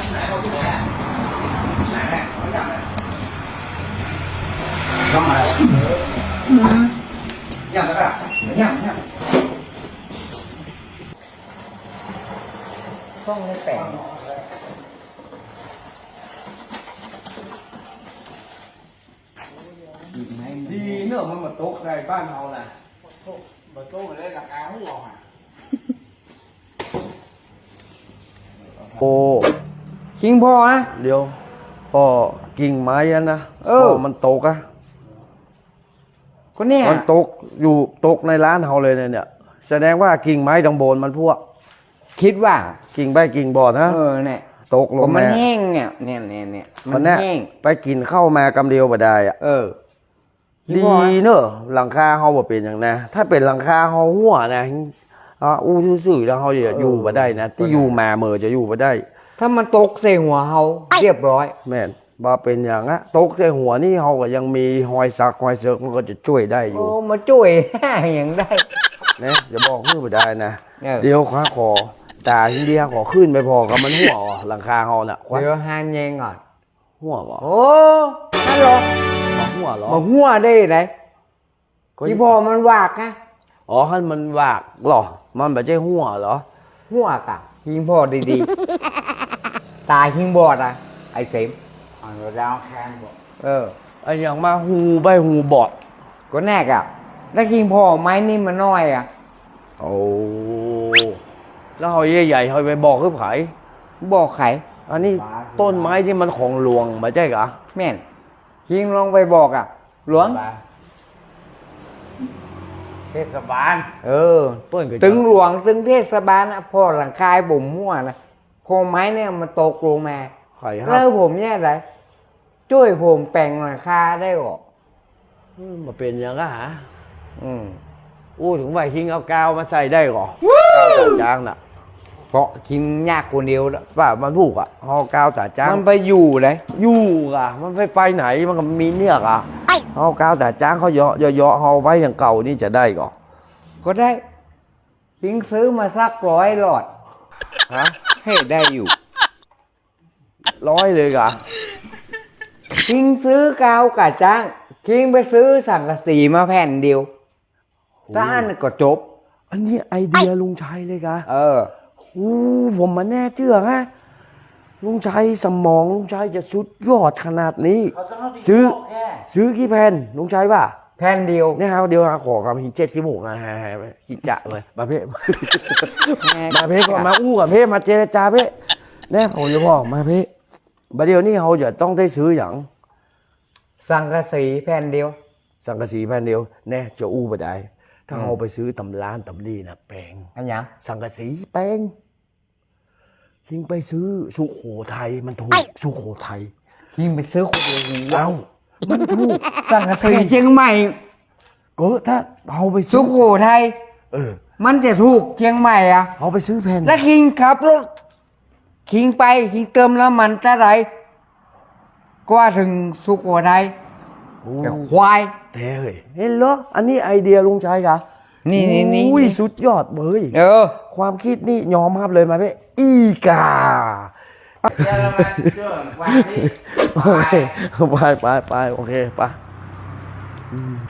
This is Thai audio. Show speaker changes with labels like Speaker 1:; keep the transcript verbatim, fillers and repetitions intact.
Speaker 1: không mà nhầm các bạn nhầm nhầm
Speaker 2: không cái bèn
Speaker 1: đi nữa mà mà tốt này ban hầu là mà tốt ở đây là áo lò à
Speaker 3: โอ้
Speaker 2: จริงพ่อนะ
Speaker 3: เดี๋ยวพ่อกิ่งไม้อันนะ
Speaker 2: เออ
Speaker 3: พ่มันตกอะ
Speaker 2: ก็เนี่ย
Speaker 3: มันตกอยู่ตกในร้านเฮาเลยเนี่ย แสดงว่ากิ่งไม้ดังโบนมันพวก
Speaker 2: คิดว่า
Speaker 3: กิ่งใบกิ่งบอดนะ
Speaker 2: เออเนี่ย
Speaker 3: ตกล
Speaker 2: ก็
Speaker 3: ง
Speaker 2: มัน
Speaker 3: มา
Speaker 2: แห้งเนี่ยเนี่ยเนี่ยเนี่ยมั
Speaker 3: มัน นแน่
Speaker 2: แห้ง
Speaker 3: ไปกินข้าวมากำเดียวบ่ได้อะ
Speaker 2: เออ
Speaker 3: ดีเนอะหลังคาเฮาบ่เป็นอย่างนะถ้าเป็นหลังคาเฮาหัวนะอ่าอู้ซื่อๆแล้วเฮาจะอยู่บ่ได้นะที่อยู่มาเมอจะอยู่บ่ได้
Speaker 2: ถ้ามันตกใส่หัวเฮาเรียบร้อย
Speaker 3: แม่นบ่เป็นอย่างอะตกใส่หัวนี่เฮาก็ยังมีหอยสักหอยเสือกมันก็จะช่วยได้อยู่
Speaker 2: โอ้มาช่วย อย่างได้
Speaker 3: นะอย่าบอกมือบ่ได้นะ
Speaker 2: เออ
Speaker 3: เดี๋ยวขวาคอตาทีเดียวขอขึ้นไปพอกับมันหัวอ่ะหลังคาเฮาน่ะควัก
Speaker 2: เดี๋ยวหานแยงก่อน
Speaker 3: หัวบ่
Speaker 2: โอ้ฮัลโหล
Speaker 3: มาหัวเหรอ
Speaker 2: มาหัวได้ไหน
Speaker 3: ก็
Speaker 2: ที่พ่อมันวากนะ
Speaker 3: อ๋อให้มันวากเหรอมันบ่ใช่หัวเหรอ
Speaker 2: หัวกะยิงพ่อดีๆ ตายยิงบอดอ่ะ ไอ้เสม
Speaker 1: à rồi rau khan bộ
Speaker 2: เออ
Speaker 3: ไอ้อย่างมาหูใบหูบอด
Speaker 2: ก็แน่กะแล้วยิงพ่อไม้นี่มันน้อยอ่ะ
Speaker 3: โอ้แล้วเฮาใหญ่ๆเฮาไปบอกคือไผ
Speaker 2: บอกไข
Speaker 3: อันนี้ต้นไม้ที่มันของหลวงบ่ใช่กะ
Speaker 2: แม่นยิงลองไปบอกอ่ะ หลวง
Speaker 1: thế sao bán
Speaker 2: เออ
Speaker 3: ต้นก็
Speaker 2: ถึงหลวงถึงเทศบาลนะพ่อหลังคายบ่มมั่วนะโคมไม้เนี่ยมันตกลงมา
Speaker 3: ไข่ฮั
Speaker 2: แล้ว
Speaker 3: บ
Speaker 2: ผมเนี่ยไรช่วยผมแปลงหลังคาได้หรอ
Speaker 3: อืมมาเป็นอย่างกะหา
Speaker 2: อืม
Speaker 3: อู้ถึงว่าคิงเอากาวมาใส่ได้ก่อกาวตาจ้างน่ะ
Speaker 2: เพราะคิงยากคนเดียวแล้ว
Speaker 3: ว่ามันผูกอ่ะเฮากาวตาจ้าง
Speaker 2: มันไปอยู่เลย
Speaker 3: อยู่อ่ะมันไปไปไหนมันก็มีเนี่ยอ่ะเฮากาวตาจ้างเขาเยาะเยาะเฮาไว้อย่างเก่านี่จะได้ก่อ
Speaker 2: ก็ได้คิงซื้อมาสักร้อยหลอด
Speaker 3: ฮะ
Speaker 2: ให้ได้อยู่
Speaker 3: ร้อยเลยกะ
Speaker 2: คิงซื้อกาวกะจ้างคิงไปซื้อสังกะสีมาแผ่นเดียวถ้าอันนนก็จบ
Speaker 3: อันนี้ไอเดียลุงชัยเลยกะ
Speaker 2: เออ
Speaker 3: อู้ผมมาแน่เชื่อฮะลุงชัยสมองลุงชัยจะสุดยอดขนาดนี้ ซื้อ ซื้อกี่แผ่นลุงชัยป่ะ
Speaker 2: แผ่นเดียว
Speaker 3: เนี่ยครับเดี๋ยวหาขอกับหินเจ็ดขี้หมูกนะฮะกิจะเลยมาเพ่ มาเพ่ก่อนมาอู้กับเพ่มาเจรจาเพ่เนี่ยผมจะบอกมาเพ่บัดเดี๋ยวนี้เขาจะต้องได้ซื้ออย่าง
Speaker 2: สังกะสีแผ่นเดียว
Speaker 3: สังกะสีแผ่นเดียวแน่จะอู้บ่ได้ถ้าเอาไปซื้อตำร้านตำลีนะแปลง
Speaker 2: อันยัง
Speaker 3: สังกะสีแปลงยิงไปซื้อสุโขทัยมันถูกสุโขทัย
Speaker 2: คิงไปซื้อคนเดียวหู
Speaker 3: เอ้ามันถูก
Speaker 2: สังกะสีเชียงใหม่
Speaker 3: ก็ถ้าเอาไป
Speaker 2: สุ
Speaker 3: ซื้อ
Speaker 2: โขทัย
Speaker 3: เออ
Speaker 2: มันจะถูกเชียงใหม่อ่ะ
Speaker 3: เอาไปซื้อแผ่น
Speaker 2: แล้วคิงขับรถคิงไปคิงเติมแล้วมันจะไหรกว่าถึงสุโขทัย
Speaker 3: โอ้
Speaker 2: แต่ควาย
Speaker 3: แต่เฮ้ยเห็นเหรออันนี้ไอเดียลุงชัยกะ
Speaker 2: นี่นี่นี่
Speaker 3: อุ้ยสุดยอดเว้ย
Speaker 2: เออ
Speaker 3: ความคิดนี่ยอมรับเลยมาเพ่อีกา
Speaker 1: เดี๋ยวเรามาช่วยวางที่
Speaker 3: โอเคไปไปไปโอเคไปอืม